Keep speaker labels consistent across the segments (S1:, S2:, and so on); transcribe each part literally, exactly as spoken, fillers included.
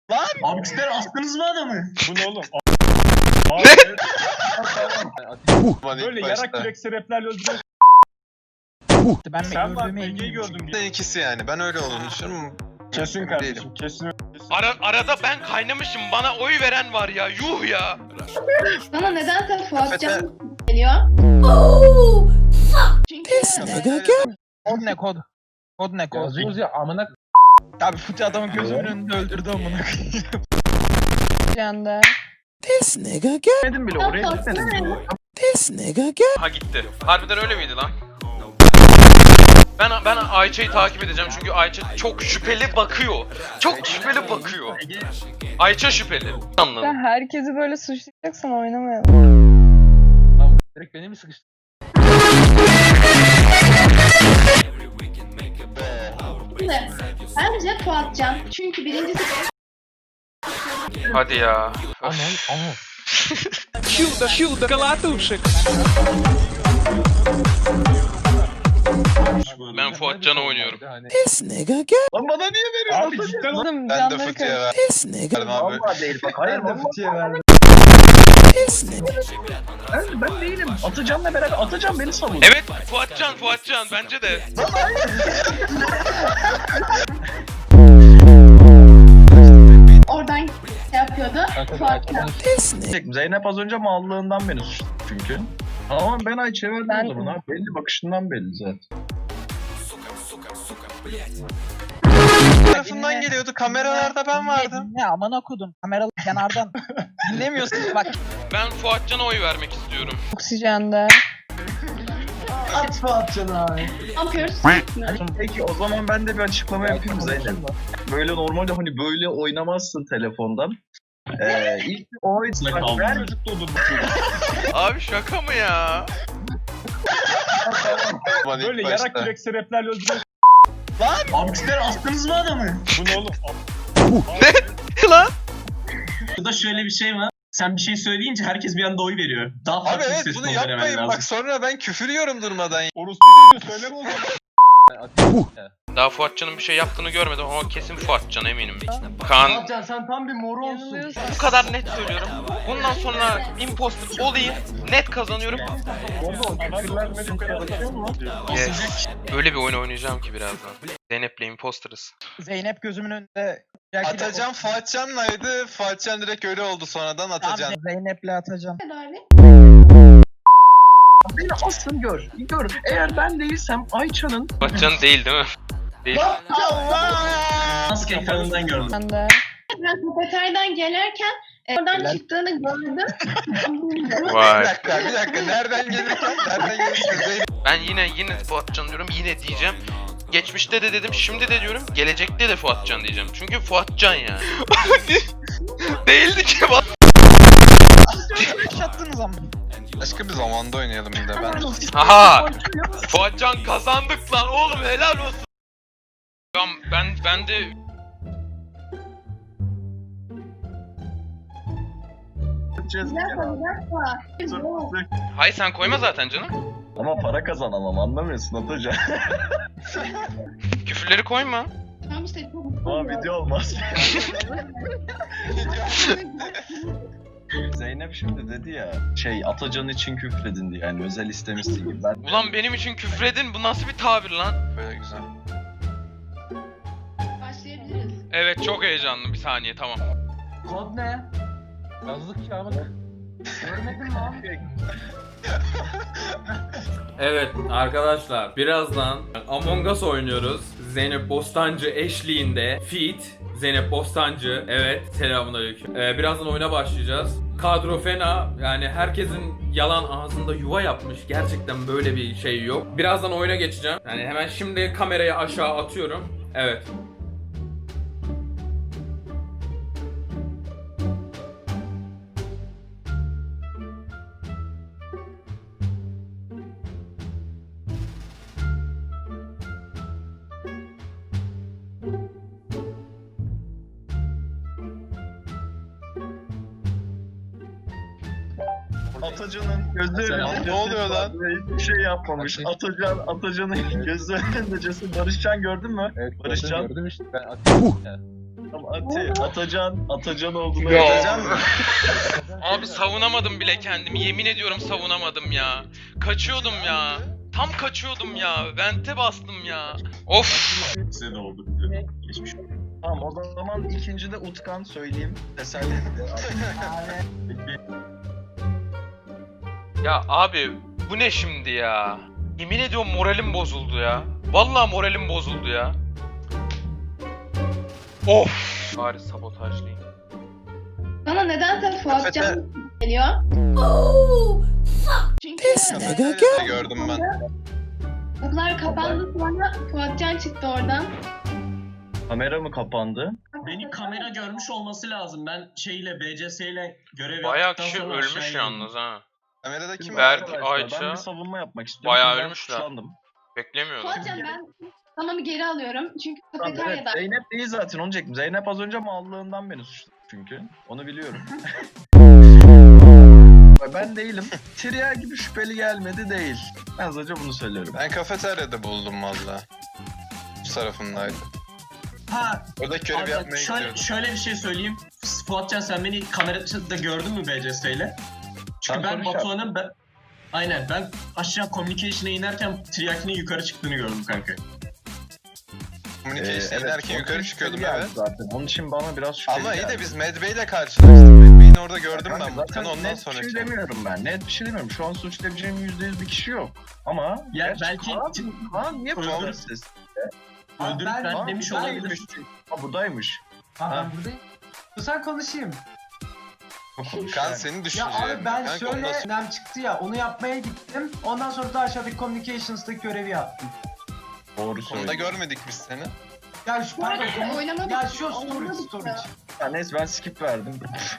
S1: Lan! Abikler astınız mı adamı?
S2: Bu ne oğlum?
S3: Lan ilk
S2: Böyle
S3: başta.
S2: yarak kürek sebeplerle öldürüyorsun.
S1: Ben
S2: Sen bak
S1: gördüğüme
S2: Ege'yi
S1: eminim.
S2: gördüm.
S3: Bir de ikisi yani. Ben öyle olduğunu düşünüyorum.
S2: Kesin
S3: Değilim.
S2: kardeşim kesin.
S4: Ara, arada ben kaynamışım. Bana oy veren var ya. Yuh ya.
S5: Bana nedense Fuatcan geliyor. Çünkü
S1: Kod ne kod? Kod ne kod?
S2: Yazıyoruz ya amına.
S1: Abi fıçı adamın gözümün önünde öldürdü amına koyayım.
S5: Fuatcan'da.
S1: Dedim bile oraya gitmedim.
S4: Ha gitti. Harbiden öyle miydi lan? Ben ben Ayça'yı takip edeceğim çünkü Ayça çok şüpheli bakıyor. Çok şüpheli bakıyor. Ayça şüpheli. Anladım.
S6: Sen herkesi böyle suçlayacaksan oynamayalım.
S2: Direkt beni mi sıkıştı?
S5: Şimdi bence Fuatcan. Çünkü birincisi
S4: Hadi ya.
S2: Aman aman.
S4: Ben Fuatcan'a oynuyorum.
S1: Lan bana niye veriyorsun?
S2: Abi cidden
S6: Oğlum
S3: Ben de
S6: canları
S3: fıtıya
S6: karıştı.
S3: verdim abi.
S1: Vallahi değil bak. Hayır ben fıçıya verdim. Ben, ben değilim. Atacan'la beraber Atacan beni savun.
S4: Evet Fuatcan Fuatcan bence de.
S5: oradan şey yapıyordu. Fuatcan.
S1: Zeynep az önce mallığından beni suçladı çünkü. Ama ben Ayça'ya verdim
S6: Ben-
S1: o zaman abi. Belli bakışından belli zaten.
S3: Tarafından geliyordu. Kameralarda ben vardım.
S1: Ne aman okudum. Kameralı kenardan. Dinlemiyorsun bak.
S4: Ben Fuatcan'a oy vermek istiyorum.
S6: Oksijende.
S1: At Fuatcan'a abi.
S5: Ne yapıyoruz?
S1: Peki o zaman ben de bir açıklama yapayım Zeynep. Böyle normalde hani böyle oynamazsın telefondan. Ee, ilk bir oy bak ben
S2: Çocuk doğdu.
S4: Abi şaka mı ya?
S3: Lan ilk
S2: Böyle yarak
S3: başta.
S2: kürek sebeplerle öldürüyorsun.
S1: Abikler astınız mı adamı?
S2: Bu ne oğlum?
S4: Lan?
S7: Burada şöyle bir şey var. Sen bir şey söyleyince herkes bir anda oy veriyor. Daha
S3: Abi
S7: farklı bir
S3: evet
S7: ses
S3: bunu
S7: tonu vermen
S3: yapmayın.
S7: lazım.
S3: Bak sonra ben küfür yiyorum durmadan.
S2: Orospu çocuğu söyleme o zaman.
S4: Daha Fuatcan'ın bir şey yaptığını görmedim ama kesin Fuatcan eminim. Kaan
S7: Can sen tam bir moro
S6: Yanılıyorsun.
S4: bu kadar net söylüyorum. Bundan sonra imposter olayım. Net kazanıyorum. Yes. Öyle bir oyun oynayacağım ki birazdan. Zeynep'le imposterız.
S1: Zeynep gözümün önünde.
S3: Atacan Fuatcan'laydı. Fuatcan direkt öyle oldu sonradan Atacan.
S1: Tamam, Zeynep'le Atacan.
S5: Tedavi.
S1: Beni asın gör. Gör. Eğer ben değilsem Ayça'nın
S4: Fuatcan değil değil mi? Değil.
S7: maske ekranından gördüm.
S6: Sende.
S5: Ben kafeteryadan gelirken e, oradan çıktığını gördüm.
S3: Bir
S4: Vay.
S3: dakika bir dakika. Nereden gelirken? Nereden gelirken? Zeynep.
S4: Ben yine yine Fuatcan diyorum. Yine diyeceğim. Geçmişte de dedim, şimdi de diyorum. Gelecekte de Fuatcan diyeceğim. Çünkü Fuatcan yani. Değildi ki bak.
S1: yaşattınız ama.
S3: Başka bir zamanda oynayalım bir de ben.
S4: Aha! Fuatcan kazandık lan oğlum helal olsun. Tamam ben ben de
S5: Yapma, yapma.
S4: Hay sen koyma zaten canım.
S1: Ama para kazanamam anlamıyorsun Atacan.
S4: Küfürleri koyma.
S5: Tamam işte çok
S1: Ama video olmaz. Zeynep şimdi dedi ya şey Atacan için küfredin diye yani özel istemişsin gibi. Ben
S4: Ulan benim için küfredin bu nasıl bir tabir lan?
S3: Böyle güzel.
S5: başlayabiliriz.
S4: Evet çok heyecanlı bir saniye tamam.
S7: Kod ne?
S2: Yazdık ya amına.
S7: Görmedin mi abi?
S8: Evet arkadaşlar birazdan Among Us oynuyoruz. Zeynep Bostancı eşliğinde Feat. Zeynep Bostancı evet selamünaleyküm. Ee, birazdan oyuna başlayacağız. Kadro fena yani herkesin yalan ağzında yuva yapmış. Gerçekten böyle bir şey yok. Birazdan oyuna geçeceğim. Yani hemen şimdi kamerayı aşağı atıyorum. Evet.
S1: Atacan'ın gözü
S3: Lan
S1: önünde
S3: ne oluyor lan?
S1: hiçbir şey yapmamış. Atacan Atacan'ın gözü önünde Barışcan gördün mü?
S2: Evet
S1: Barışcan.
S2: gördüm işte. Ben
S1: Ati, Atacan, Atacan olduğunu
S4: Ya.
S1: Atacan mı?
S4: Abi savunamadım bile kendimi. Yemin ediyorum savunamadım ya. Kaçıyordum ya. Tam kaçıyordum ya. Vente bastım ya. Of.
S7: Size de oldu. bize. Geçmiş olsun.
S1: Tamam o zaman ikinci de Utkan söyleyeyim. Teselli etti.
S4: Ya abi bu ne şimdi ya? Yemin ediyorum moralim bozuldu ya. Vallahi moralim bozuldu ya. Of. Bari sabotajlayayım.
S5: Bana nedense Fuatcan geliyor. Çünkü
S3: Kafeteryada gördüm ben.
S5: kapılar kapandı, sonra Fuatcan çıktı oradan.
S1: Kamera mı kapandı?
S7: Beni kamera görmüş olması lazım. Ben şeyle B C S ile görev
S4: Bayağı
S7: yaptıktan
S4: kişi
S7: sonra
S4: ölmüş
S7: aşağıya
S4: yalnız ha.
S3: Kamerada kim
S4: Berk,
S3: var?
S1: Arkadaşlar,
S4: Ayça.
S1: Ben bir savunma yapmak istiyorum.
S4: Bayağı
S1: Çünkü ben
S4: ölmüşler.
S1: suçlandım.
S4: Beklemiyordum.
S5: Fuatcan ben tamamı geri alıyorum. Çünkü
S1: Tamam, evet,
S5: kafeteryada.
S1: Zeynep değil zaten onu diyecektim. Zeynep az önce mallığından beni suçladı çünkü. Onu biliyorum. Ben değilim. Triya gibi şüpheli gelmedi değil. Ben sadece bunu söylüyorum.
S3: Ben kafeteryada buldum valla. Bu tarafındaydı.
S7: Ha,
S3: Orada görev
S7: abi,
S3: yapmaya
S7: şöyle,
S3: gidiyordum.
S7: şöyle bir şey söyleyeyim. Fuatcan sen beni kamerada gördün mü B C S ile? Çünkü
S1: Ben
S7: ben
S1: soru
S7: Batuhan'ın ben... Aynen ben aşağı communication'a inerken Triaki'nin yukarı çıktığını gördüm kanka.
S3: Communication inerken
S1: o
S3: yukarı
S1: şüpheli
S3: çıkıyordum
S1: geldi
S3: evet.
S1: Zaten. Onun için bana biraz şüpheli
S3: Ama iyi
S1: geldi.
S3: de biz Medbay ile karşılaştık. Medbay'in orada gördüm
S1: Kanka
S3: ben
S1: zaten
S3: Mutkan'ı ondan
S1: net
S3: sonra.
S1: bir şey demiyorum ben. Net bir şey demiyorum. Şu an suçlayabileceğim yüzde yüz bir kişi yok. Ama
S7: Ya
S1: gerçi
S7: belki-
S1: Kaan, Kaan niye
S7: Öldür-
S1: burada siz?
S7: Öldürüp ben,
S1: Kaan
S7: demiş
S1: buradaymış.
S7: olabilir.
S1: Ha buradaymış.
S9: Aa,
S1: Ha.
S9: ben buradayım. Sen konuşayım.
S3: Kan senin
S9: Ya
S3: düşüncelerin.
S9: abi ben
S3: Kanka
S9: şöyle
S3: ondan
S9: önem çıktı ya onu yapmaya gittim. Ondan sonra da aşağıdaki communications'taki görevi yaptım.
S1: Doğru
S3: sonra da
S1: söylüyorsun.
S3: görmedik biz seni.
S9: Ya şu
S5: Bu arada
S9: pardon.
S5: oynamadık.
S9: Ya şu storage
S5: Oynamadık
S9: storage.
S5: ya.
S1: Ya neyse ben skip verdim.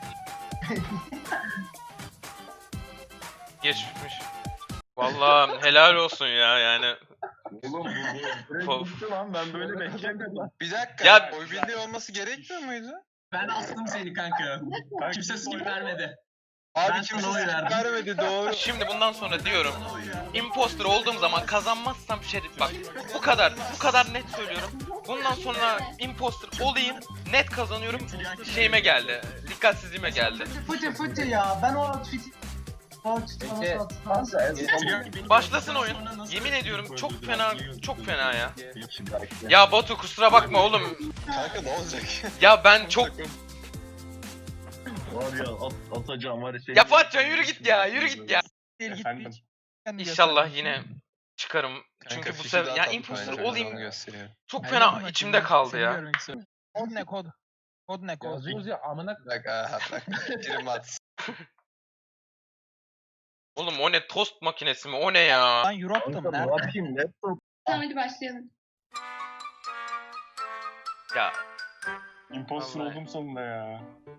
S4: Geçmiş. Vallahi helal olsun ya yani.
S1: Oğlum bu bu. Bitti lan ben böyle beklemiyordum.
S3: Bir dakika.
S4: Ya-
S3: oy birliği olması gerekmiyor muydu?
S7: Ben astım seni kanka. Kimse skip vermedi.
S3: Abi
S7: Ben
S3: kimse
S7: sana oy
S3: skip
S7: verdim.
S3: vermedi doğru.
S4: Şimdi bundan sonra diyorum. Imposter olduğum zaman kazanmazsam şerit bak. Bu kadar. Bu kadar net söylüyorum. Bundan sonra imposter olayım. Net kazanıyorum. Şeyime geldi. Dikkatsizliğime geldi.
S9: Fıtı fıtı ya ben o outfit'i o outfit'i bana
S1: Peki,
S9: sattı.
S1: Kanka, en son-
S7: Triaki benim
S4: Başlasın
S7: gördükten
S4: oyun.
S7: sonra nasıl
S4: Yemin ediyorum çok
S7: öldürdü?
S4: fena, çok fena ya.
S1: Şimdi belki-
S4: Ya Batu kusura bakma oğlum.
S3: Kanka ne olacak?
S4: Ya ben çok...
S1: Var ya at, atacağım var ya şey.
S4: Ya Fuatcan yürü git ya, yürü git ya.
S2: Efendim.
S4: İnşallah yine çıkarım.
S3: Kanka,
S4: Çünkü bu
S3: fişi
S4: sefer
S3: daha
S4: ya
S3: tatlı
S4: imposter
S3: bence, onu
S4: olayım.
S3: gösteriyor.
S4: Çok fena içimde kaldı ya.
S9: Kod ne kod? Kod ne kod?
S2: Yazıyoruz ya amına
S3: Bak aha bak. Prim at.
S4: Oğlum o ne tost makinesi mi? O ne ya?
S9: Ben Europe'dım
S1: Kanka ne
S9: nerede?
S1: yapayım laptop.
S5: Tamam hadi başlayalım.
S4: Ya
S2: imposter
S4: Vallahi.
S2: oldum sonunda ya.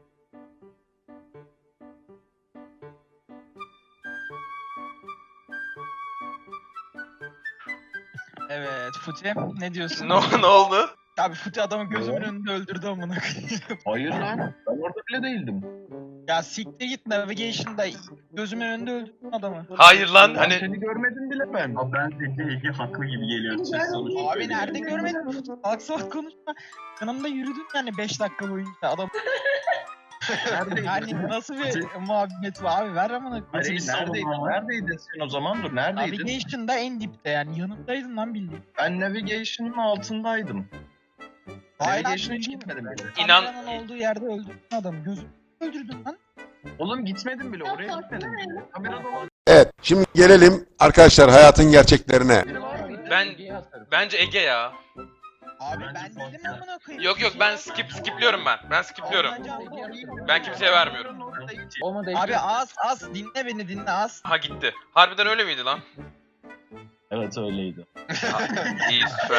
S9: Evet Futi ne diyorsun?
S4: ne, ne oldu?
S9: Abi Futi adamı gözümün
S1: Ne?
S9: önünde öldürdü amına koyayım.
S1: Hayır lan. Ben orada bile değildim.
S9: Ya siktir git navigation'da gözümün önünde öldürdün adamı.
S4: Hayır lan
S1: Ben
S4: hani
S1: seni görmedim bile ben.
S7: Abi ben Ege, Ege haklı gibi geliyor ses sonuç.
S9: Abi nerede görmedin Futi? Salak salak konuşma. Yanımda yürüdün yani beş dakika boyunca adam.
S1: Neredeydin?
S9: Yani nasıl bir muhabbet var abi ver amına
S1: Hayır,
S9: koyayım.
S7: bir
S1: neredeydin?
S7: savunma var.
S1: Neredeydin sen o zaman? Dur neredeydin?
S9: Navigation'da en dipte yani yanımdaydın lan bildiğin.
S1: Ben navigation'ın altındaydım.
S9: Hayır
S1: Navigation'a
S9: abi,
S1: hiç gitmedim bile.
S4: İnan-
S9: Kameranın olduğu yerde öldürdün adamı. Gözümü öldürdün lan.
S1: Oğlum gitmedim bile oraya gitmedim bile. Kamerada olan
S10: Evet, şimdi gelelim arkadaşlar hayatın gerçeklerine.
S1: biri var mıydı?
S4: ben bence Ege ya.
S9: Abi
S7: Bence
S9: ben
S7: Fuat
S9: dedim
S7: ya.
S9: amına koyayım.
S4: Yok yok ben skip skipliyorum ben. Ben skipliyorum. Ben kimseye vermiyorum.
S9: Abi az az dinle beni dinle az.
S4: Ha gitti. Harbiden öyle miydi lan?
S1: Evet öyleydi.
S4: Ha, iyi süper.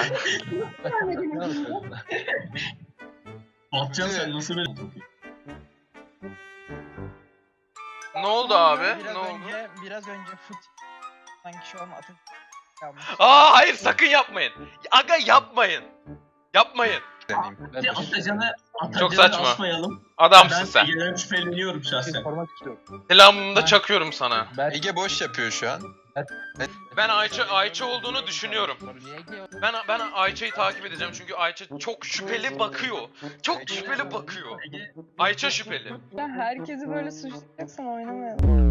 S7: Fuatcan sen nasıl böyle
S4: Ne oldu abi?
S9: Biraz
S4: Ne oldu?
S9: önce, biraz önce fut sanki şu an atın yapmış.
S4: Aa hayır sakın yapmayın. Aga yapmayın. Yapmayın.
S3: Deneyim.
S7: Hadi Atacan'ı
S4: Çok
S7: Atacan'ı
S4: saçma.
S7: asmayalım.
S4: Adamsın
S7: Ben
S4: sen.
S7: Ege'den şüpheleniyorum şahsen.
S2: Sormak istiyorum.
S4: Selamımı da çakıyorum sana.
S2: Ben
S3: Ege boş yapıyor şu an.
S4: Ben Ayça Ayça olduğunu düşünüyorum. Ben ben Ayça'yı takip edeceğim çünkü Ayça çok şüpheli bakıyor. Çok şüpheli bakıyor. Ayça şüpheli.
S6: Ya herkesi böyle suçlayacaksan oynamayalım.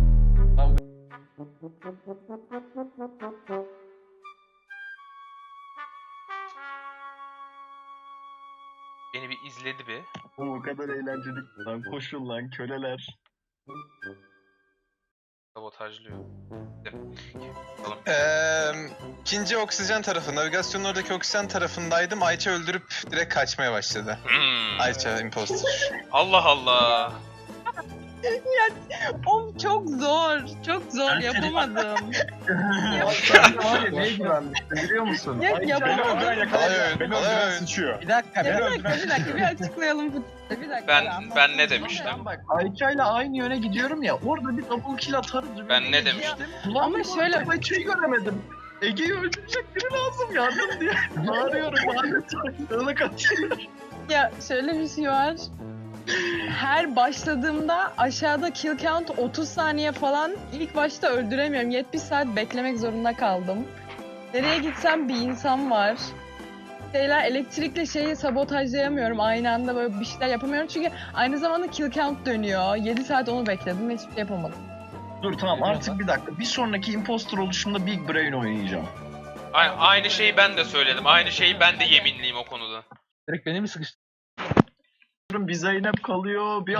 S4: Beni bir izledi bir.
S1: Oğlum o kadar eğlenceli lan, koşun lan köleler.
S4: Sabotajlıyor.
S3: Eee ikinci oksijen tarafı, navigasyonun oradaki oksijen tarafındaydım. Ayça öldürüp direkt kaçmaya başladı.
S4: Hmm.
S3: Ayça imposter.
S4: Allah Allah.
S6: Oğlum çok zor. Çok zor yapamadım.
S1: Sen de var ya neye güvenmiştin biliyor musun?
S6: Ya
S2: Beni
S6: yapamadım.
S2: öldüren
S3: Olay
S2: yakalayacak.
S3: oyun,
S2: Beni
S3: olay
S2: öldüren
S3: oyun.
S2: sıçıyor.
S9: Bir dakika
S6: Ya
S9: ben
S6: bir dakika bir dakika bir açıklayalım bu. Bir dakika.
S4: Ben
S6: anlat.
S4: ben ne demiştim?
S1: Ben bak Ayça'yla aynı yöne gidiyorum ya, orada bir double kill atarız.
S4: Ben ne demiştim?
S1: Ulan
S6: Ama
S1: bir
S6: şöyle-
S1: baktım, Ayça'yı göremedim. Ege'yi öldürecek biri lazım, yardım diye. Bağırıyorum adeta. Ilık atıyorum.
S6: Ya şöyle bir şey var. Her başladığımda aşağıda kill count otuz saniye falan, ilk başta öldüremiyorum. yetmiş saat beklemek zorunda kaldım. Nereye gitsem bir insan var. Şeyler, elektrikle şeyi sabotajlayamıyorum. Aynı anda böyle bir şeyler yapamıyorum. Çünkü aynı zamanda kill count dönüyor. yedi saat onu bekledim ve hiçbir şey yapamadım.
S1: Dur tamam artık bir dakika. Bir sonraki imposter oluşumda Big Brain oynayacağım.
S4: A- aynı şeyi ben de söyledim. Aynı şeyi ben de yeminliyim o konuda.
S9: direkt beni mi sıkıştı?
S1: Bir Zeynep kalıyor, bir